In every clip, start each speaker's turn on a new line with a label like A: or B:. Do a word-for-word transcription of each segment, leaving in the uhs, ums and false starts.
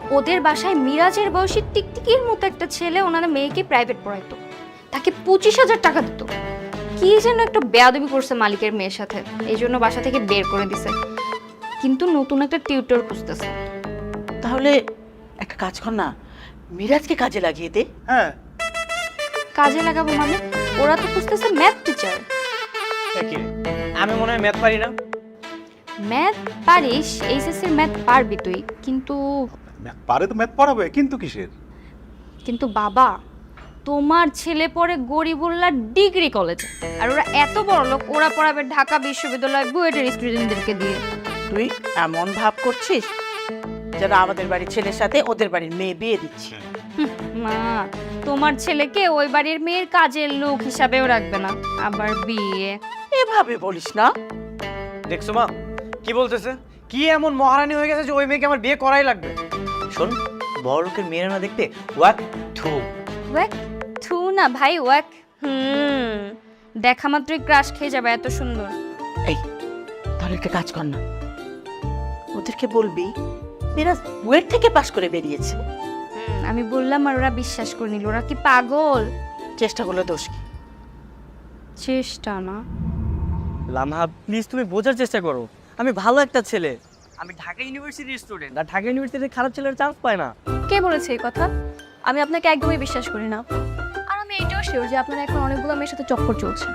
A: ওদের বাসায় মিরাজের বয়সী টিকটিকির মতো একটা ছেলে ওনার মেয়েকে প্রাইভেট পড়াইতো, তাকে পঁচিশ হাজার টাকা দিত। কি যেন একটা বেয়াদবি করছে মালিকের মেয়ের সাথে, এই জন্য বাসা থেকে বের করে দিছে। কিন্তু নতুন একটা টিউটর খুঁজতেছে।
B: তাহলে একটা কাজ কর না, মিরাজকে কাজে লাগিয়ে দে।
C: হ্যাঁ,
A: কাজে লাগাবো মানে? ওরা তো খুঁজতেছে ম্যাথ টিচার।
C: একই রে। আমি মনে হয় ম্যাথ পারি না।
A: ম্যাথ পারিস, এইচএসসির ম্যাথ পারবি তুই, কিন্তু
D: ম্যাথ পারে তো ম্যাথ পড়াবে, কিন্তু কিসের?
A: কিন্তু বাবা, তোমার ছেলে পড়ে গরিবুল্লাহ ডিগ্রি কলেজে, আর ওরা এত বড় লোক, ওরা পড়াবে ঢাকা বিশ্ববিদ্যালয় বুয়েটের স্টুডেন্টদেরকে দিয়ে।
B: তুই এমন ভাব করছিস যেন আমাদের বাড়ির ছেলের সাথে ওদের বাড়ির মেয়ে বিয়ে দিচ্ছে।
A: হুম, মা, তোমার ছেলেকে ওই বাড়ির মেয়ের কাজের লোক হিসাবেও রাখবে না, আবার বিয়ে।
B: এভাবে বলিস না।
C: দেখছো মা কি বলতেছে? কি এমন মহারানী হয়ে গেছে যে ওই মেয়েকে আমার বিয়ে করাই লাগবে? শোন, বড় লোকের মেয়েরা না দেখতে ওয়াক থু।
A: ওয়াক থু না ভাই, ওয়াক হুম। দেখা মাত্রই ক্রাশ খেয়ে যাবে, এত সুন্দর।
B: এই, তাহলে একটা কাজ কর না, ওদেরকে বলবি মিরাজ বুয়েট থেকে পাশ করে বেরিয়েছে।
A: হুম, আমি বললাম আর ওরা বিশ্বাস করে নিল। ওরা কি পাগল?
B: চেষ্টা করলে দোষ কি?
A: চেষ্টা না।
E: লামহা প্লিজ তুমি বোঝার চেষ্টা করো, আমি ভালো একটা ছেলে, আমি ঢাকা ইউনিভার্সিটির স্টুডেন্ট, আর ঢাকা ইউনিভার্সিটিতে খারাপ ছেলের চান্স পায় না।
F: কে বলেছে এই কথা? আমি আপনাকে একদমই বিশ্বাস করি না। আর আমি এটাও শিওর যে আপনার এখন অনেকগুলো মেয়ের সাথে চক্কর চলছে।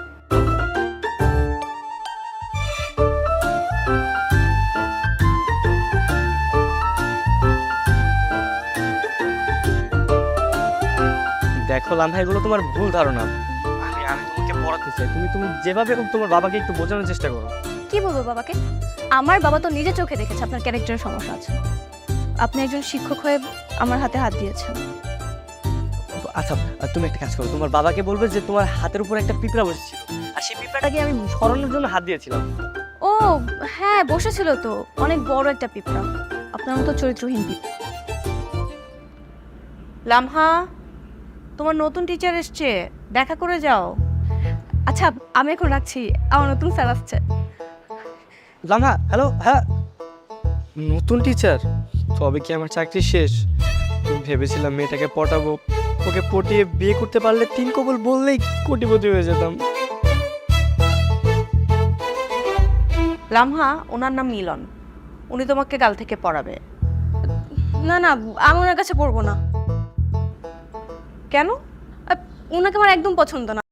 E: দেখো লামহা, এগুলো তোমার ভুল ধারণা। আমি আমি তোমাকে পড়াতে চাই, তুমি তুমি যেভাবে হোক তোমার বাবাকে একটু বোঝানোর চেষ্টা করো।
F: কি বলবো বাবাকে? আমার বাবা তো নিজে চোখে দেখেছে আপনার ক্যারেক্টারের সমস্যা আছে। আপনি একজন শিক্ষক হয়ে আমার হাতে হাত দিয়েছেন।
E: আচ্ছা, আর তুমি একটা কাজ করো, তোমার বাবাকে বলবে যে তোমার হাতের উপর একটা পিঁপড়া বসেছিল, আর সেই পিঁপড়াটাকে আমি সরানোর জন্য হাত দিয়েছিলাম।
F: ও হ্যাঁ, বসেছিল তো, অনেক বড় একটা পিঁপড়া, আপনার মতো চরিত্রহীন পিঁপড়া।
B: লামহা, তোমার নতুন টিচার এসছে, দেখা করে যাও।
F: আচ্ছা, আমি এখন রাখছি, আমার নতুন স্যার আসছে।
E: লামহা, হ্যালো। হ্যাঁ, নতুন টিচার? তবে কি আমার চাকরি শেষ? ভেবেছিলাম মেয়েটাকে পটাবো, ওকে পটিয়ে বিয়ে করতে পারলে তিন কবল বললেই কোটিপতি হয়ে যেতাম।
B: লামহা, ওনার নাম মিলন, উনি তোমাকে কাল থেকে পড়াবে।
F: না না, আমি ওনার কাছে পড়বো না।
B: কেন?
F: আহ, ওনাকে আমার একদম পছন্দ না।